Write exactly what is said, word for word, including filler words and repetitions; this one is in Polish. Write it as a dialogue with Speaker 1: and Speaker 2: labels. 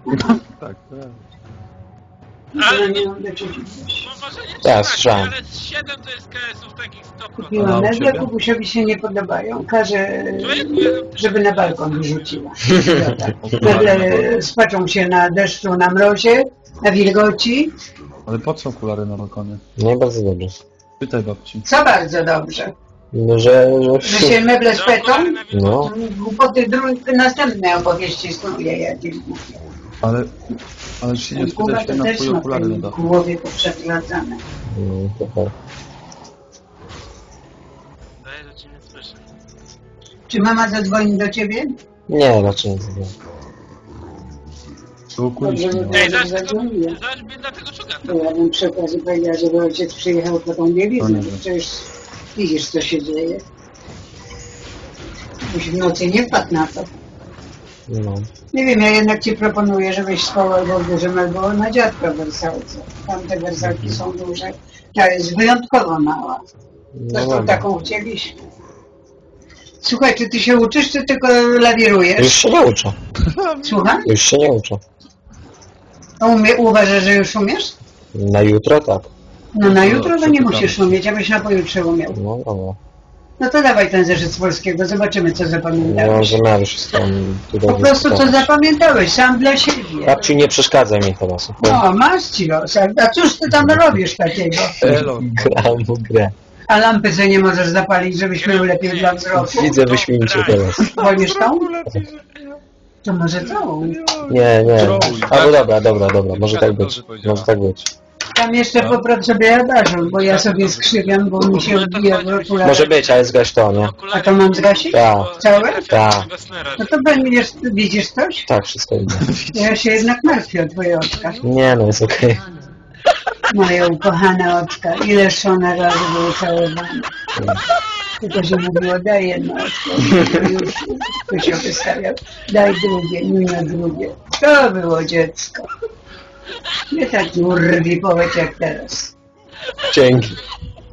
Speaker 1: Tak, tak.
Speaker 2: Ale
Speaker 3: nie
Speaker 2: no,
Speaker 3: mam do ciebie.
Speaker 2: no może nie
Speaker 4: Tak,
Speaker 2: trzeba,
Speaker 4: słyszałem.
Speaker 2: ale z siedem to jest K S-ów takich sto procent.
Speaker 3: Kupiłam
Speaker 1: A u
Speaker 3: meble,
Speaker 1: ciebie?
Speaker 3: Kubusiowi się nie podobają. Każę,
Speaker 2: Człowieku, ja-
Speaker 3: żeby na balkon wyrzuciła. Meble spaczą się na deszczu, na mrozie, na wilgoci.
Speaker 1: Ale po co okulary na balkonie?
Speaker 4: No i bardzo dobrze.
Speaker 1: Pytaj babci.
Speaker 3: Co bardzo dobrze.
Speaker 4: No, że...
Speaker 3: Że
Speaker 4: że...
Speaker 3: się meble speczą.
Speaker 4: No,
Speaker 3: Głupoty dru- następne opowieści snuje jakieś głupie.
Speaker 1: Ale... Ale się nie
Speaker 3: Głowa
Speaker 1: spytać
Speaker 3: to
Speaker 1: na
Speaker 3: też
Speaker 1: twoje
Speaker 3: ma
Speaker 1: okulary na
Speaker 3: w
Speaker 1: dachu.
Speaker 3: głowie poprzewracane.
Speaker 4: no, to tak.
Speaker 2: Daję, że cię nie słyszę.
Speaker 3: Czy mama zadzwoni do ciebie?
Speaker 4: Nie, raczej nie zrobię.
Speaker 1: To okuliści
Speaker 3: Dobrze,
Speaker 1: miał.
Speaker 3: że-
Speaker 2: Ej, zaś tego,
Speaker 3: zadzwoniłem.
Speaker 2: zaś bieda tego czugata.
Speaker 3: To ja bym przy okazji powiedziała, żeby ojciec przyjechał po tą bieliznę.
Speaker 1: No nie wiem.
Speaker 3: Przecież widzisz, co się dzieje. Byś w nocy nie wpadł na to.
Speaker 4: No.
Speaker 3: Nie wiem, ja jednak ci proponuję, żebyś spał albo w dużym, albo na dziadka w wersalce. Tamte wersalki są duże. Ta jest wyjątkowo mała.
Speaker 4: No
Speaker 3: Zresztą
Speaker 4: dobra.
Speaker 3: taką chcieliśmy. Słuchaj, czy ty się uczysz, czy tylko lawirujesz?
Speaker 4: Już się nie uczę.
Speaker 3: Słucham?
Speaker 4: Już się nie uczę.
Speaker 3: A umie, uważasz, że już umiesz?
Speaker 4: Na jutro tak.
Speaker 3: No na
Speaker 1: No,
Speaker 3: jutro to nie
Speaker 1: przepytamy
Speaker 3: musisz
Speaker 1: się.
Speaker 3: umieć, abyś na pojutrze umiał.
Speaker 4: No dobra.
Speaker 3: No to dawaj ten zeszyt z polskiego, zobaczymy, co
Speaker 4: Nie mam
Speaker 3: zapamiętałeś.
Speaker 4: zamiaru wszystko tutaj
Speaker 3: Po prostu co
Speaker 4: dyskutować.
Speaker 3: zapamiętałeś, sam dla siebie.
Speaker 4: Babciu, nie przeszkadzaj mi teraz.
Speaker 3: No, masz ci los. A cóż ty tam robisz takiego?
Speaker 1: Elo.
Speaker 4: Gram w grę.
Speaker 3: A lampy sobie nie możesz zapalić, żebyś miał lepiej dla wzroku?
Speaker 4: Widzę wyśmienicie teraz.
Speaker 3: Wolisz tą? To może tą?
Speaker 4: Nie, nie.
Speaker 1: Trolluj.
Speaker 4: Albo dobra, dobra, dobra. Może tak być. Może tak być.
Speaker 3: Tam jeszcze popraw sobie adażur, bo ja sobie skrzywiam, bo mi się odbija w okularach.
Speaker 4: Może być, ale zgaś to, nie?
Speaker 3: A to mam zgasić?
Speaker 4: Tak.
Speaker 3: Całe?
Speaker 4: Tak.
Speaker 3: No to będziesz, widzisz coś?
Speaker 4: Tak, wszystko idzie.
Speaker 3: Ja się jednak martwię o twoje oczka.
Speaker 4: Nie, no jest okej.
Speaker 3: Moje ukochane oczka. Ileż one razy były całowane. Tylko się mówiło, daj jedno oczko. Już tu się wystawiał. Daj drugie, nie drugie. To było dziecko. Nie taki urwi powiedz jak teraz.
Speaker 4: Dzięki.